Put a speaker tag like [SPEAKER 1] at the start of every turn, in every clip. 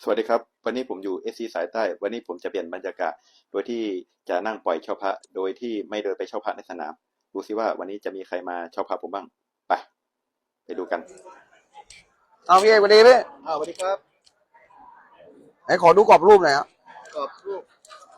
[SPEAKER 1] สวัสดีครับวันนี้ผมอยู่เอสซีสายใต้วันนี้ผมจะเปลี่ยนบรรยากาศโดยที่จะนั่งปล่อยเช่าพระโดยที่ไม่เดินไปเช่าพระในสนามดูซิว่าวันนี้จะมีใครมาเช่าพระผมบ้างไปดูกัน
[SPEAKER 2] เอาพี่เอกสวัสดีพี่
[SPEAKER 3] สวัสดีครับ
[SPEAKER 2] ไหนขอดูกรอบรูปหน่อยครับ
[SPEAKER 3] กรอบรูป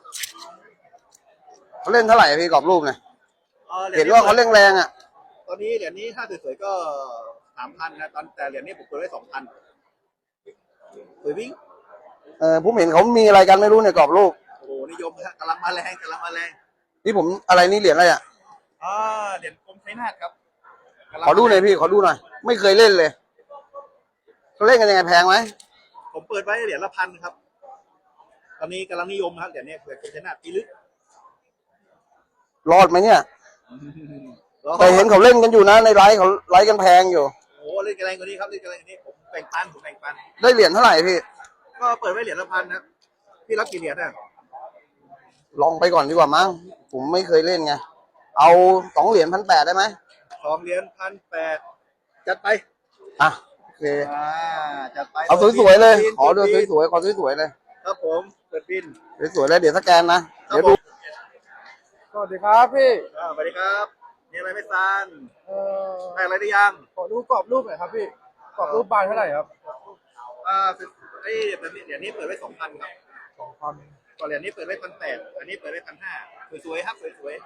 [SPEAKER 2] เขาเล่นเท่าไหร่พี่กรอบรูปเนี่ยเห็นว่าเขาเล่นแรงอ่ะ
[SPEAKER 3] ตอนนี้เหรียญนี้ถ้าสวยๆก็3,000นะแต่เหรียญนี้ผมเปิดไว้2,000สวยวิ่ง
[SPEAKER 2] ผมเห็นเขามีอะไรกันไม่รู้เนี่ยกรอบรูป
[SPEAKER 3] โอ้โหนิยมกำลังมาแรง
[SPEAKER 2] นี่ผมอะไรนี่เหรียญอะไรอ่ะ
[SPEAKER 3] เหรียญกรมชัยนาทครับ
[SPEAKER 2] ขอดูหน่อยพี่ขอดูหน่อยไม่เคยเล่นเลยเขาเล่นกันยังไงแพงไหม
[SPEAKER 3] ผมเปิดไว้เหรียญละ1,000ครับตอนนี้กำลังนิยมครับเหรียญนี้เหรียญกรมชัยนาทปีลึก
[SPEAKER 2] รอดไหมเนี่ยแต่เห็นเขาเล่นกันอยู่นะในไลฟ์เขาไลฟ์กันแพงอยู่
[SPEAKER 3] โอ้เล่นกันแรงกว่านี้ครับเล่นกันแรงกว่านี้ผมแบ่งปัน
[SPEAKER 2] ได้เหรียญเท่าไหร่พี่
[SPEAKER 3] ก็เปิดไว้เหรียญละ1,000นะพี่รับกี่เหรียญอ่ะ
[SPEAKER 2] ลองไปก่อนดีกว่ามั้งผมไม่เคยเล่นไงเอา2 เหรียญ1,800ได้ไหม
[SPEAKER 3] 2 เหรียญ1,800จัดไป
[SPEAKER 2] อ่ะโอเค
[SPEAKER 3] จัดไป
[SPEAKER 2] เอาสวยๆเลยขอดูสวยๆขอสวยๆเลย
[SPEAKER 3] ครับผมเปิดบิน
[SPEAKER 2] สวยๆแล้วเดี๋ยวสแกนนะเดี๋ยวดูสวัสดีครับพี่
[SPEAKER 3] สวัสดีครับมีอะไรไม่ซันได้อะไรได้ยัง
[SPEAKER 2] ขอดูกรอบรูปหน่อยครับพี่กรอบรูปบานเท่าไหร่ครับ
[SPEAKER 3] ไอ้เหรียญนี้เปิดไว้2,000ครับ
[SPEAKER 2] 2,000
[SPEAKER 3] ก่อนเหรียญนี้เปิดไว้1,800อันนี้เปิดไว้1,500สวยๆครับสวย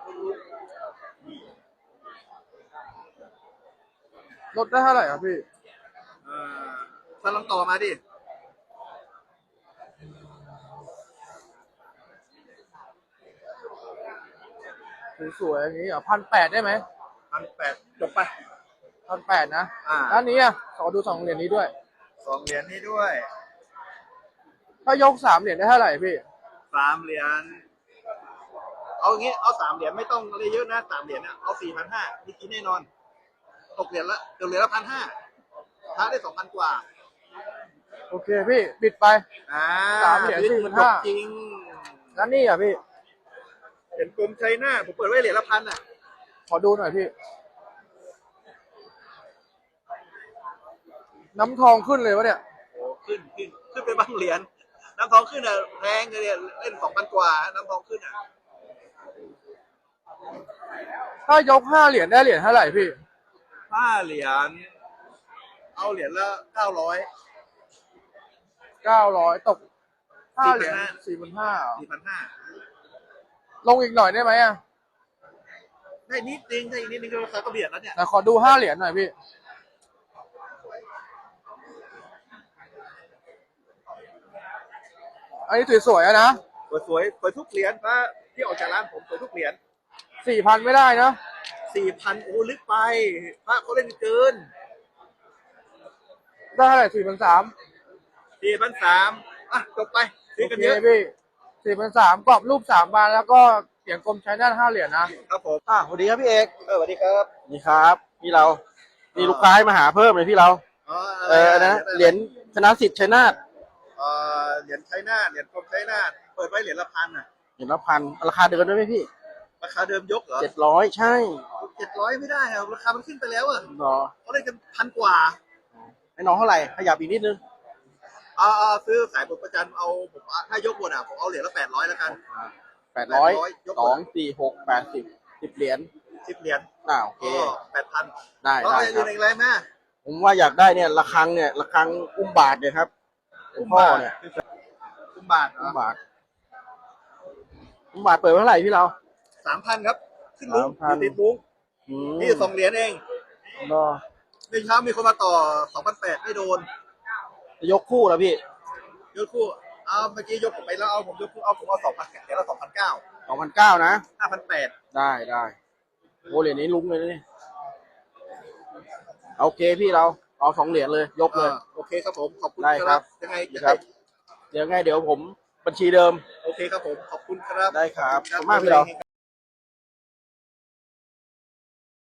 [SPEAKER 2] ลดได้เท่าไหร่ครับพี่
[SPEAKER 3] ถ้าลองต่อมาดิ
[SPEAKER 2] สวยๆอย่างนี้1,800ได้ไหม
[SPEAKER 3] 1,800จบไป
[SPEAKER 2] 1,800นะด้านนี้อ่ะขอดู2 เหรียญนี้ด้วย
[SPEAKER 3] 2 เหรียญนี้ด้วย
[SPEAKER 2] ถ้ายก3 เหรียญได้เท่าไหร่พี่
[SPEAKER 3] 3 เหรียญเอาอย่างงี้เอา3 เหรียญไม่ต้องอะไรเยอะนะ3 เหรียญเนี่ยเอา 4,500มีกินแน่นอนตกเหรียญละ1,500พระได้ 2,000 กว่า
[SPEAKER 2] โอเคพี่ปิดไป3 เหรียญ4,500
[SPEAKER 3] จริง
[SPEAKER 2] ด้านนี้อ่ะพี่
[SPEAKER 3] เหรียญกรมชัยนาทผมเปิดไว้เหรียญละ1,000อ่ะ
[SPEAKER 2] ขอดูหน่อยพี่น้ำทองขึ้นเลยวะเนี่ย
[SPEAKER 3] โอ้ขึ้นไปบางเหรียญน้ำทองขึ้นอ่ะแพงเลยเล่น 2,000 กว่าน้ำทองขึ้นอ่ะ
[SPEAKER 2] ถ้ายก5 เหรียญได้เหรียญเท่าไหร่พี่
[SPEAKER 3] 5 เหรียญเอาเหรียญละ900
[SPEAKER 2] ตก5 เหรียญ4,500ลงอีกหน่อยได้ไหมอ่ะ
[SPEAKER 3] ได้นิดนึงก็ราคาก็เบียดแล้วเนี่ย
[SPEAKER 2] แต่ขอดู5 เหรียญหน่อยพี่อันนี้สวยๆนะ
[SPEAKER 3] สวยทุกเหรียญพระที่ออกจากร้านผมสวยทุกเหรียญ
[SPEAKER 2] 4,000ไม่ได้นะ
[SPEAKER 3] 4,000โอ้ลึกไปพระเขาเล่นเกิน
[SPEAKER 2] ได้เท่าไหร่4,300
[SPEAKER 3] อ่ะจบไปซื้อกันเยอะ
[SPEAKER 2] พี่4,300กรอบรูป3 บานแล้วก็เหรียญกรมชัยนาท5 เหรียญนะครับ
[SPEAKER 3] ผม
[SPEAKER 2] สวัสดีครับพี่เอก
[SPEAKER 3] สวัสดีครับ
[SPEAKER 2] นี่ครับพี่เรามีลูกค้ามาหาเพิ่มเลยพี่เรานะเหรียญชนะสิทธิ์ชัยนาท
[SPEAKER 3] เหรียญชัยนาทเหรียญกรมชัยนาทเปิดไว้เหรียญละ1,000อ่ะ
[SPEAKER 2] เหรียญละ1,000ราคาเดิมได้ไหมพี่
[SPEAKER 3] ราคาเดิมยกเหรอ
[SPEAKER 2] 700ใช่
[SPEAKER 3] 700ไม่ได้ครับราคามันขึ้นไปแล้วอ่ะเขาได้กัน1,000 กว่า
[SPEAKER 2] ให้น้องเท่าไหร่ขยับอีกนิดนึง
[SPEAKER 3] ซื้อสายบทประจันเอาผมถ้ายกบนอ่ะผมเอาเหรียญละ800แล้วกัน
[SPEAKER 2] 800 2 4 6 80 10 เหรียญ
[SPEAKER 3] 10 เหรียญ
[SPEAKER 2] โอเค
[SPEAKER 3] 8,000ได้ยืนอะไรแม่
[SPEAKER 2] ผมว่าอยากได้เนี่ยระฆังอุ้มบาทเนี่ยครับพ่อเนี่ย
[SPEAKER 3] อุ้มบาท
[SPEAKER 2] เปิดเท่าไหร่พี่เรา
[SPEAKER 3] 3,000ครับขึ้นมุ้งติดมุ้งนี่2 เหรียญเองในเช้ามีคนมาต่อ 2,800ไม่โดน
[SPEAKER 2] ยกคู่แล้วพี่
[SPEAKER 3] ยกคู่เมื่อกี้ยกผมไปแล้วผมยกคู่ผมเอา2,000เหรียญละ
[SPEAKER 2] 2,900นะ
[SPEAKER 3] 5,800
[SPEAKER 2] ได้โอ้เหรียญนี้ลุ้งเลยนี่โอเคพี่เราเอา2 เหรียญเลยยกเลย
[SPEAKER 3] โอเคครับผมขอบคุณ
[SPEAKER 2] ครับ
[SPEAKER 3] ยังไง
[SPEAKER 2] ครับเดี๋ยวผมบัญชีเดิม
[SPEAKER 3] โอเคครับผมขอบคุณครับ
[SPEAKER 2] ได้ครับขอบคุณมากพี่เรา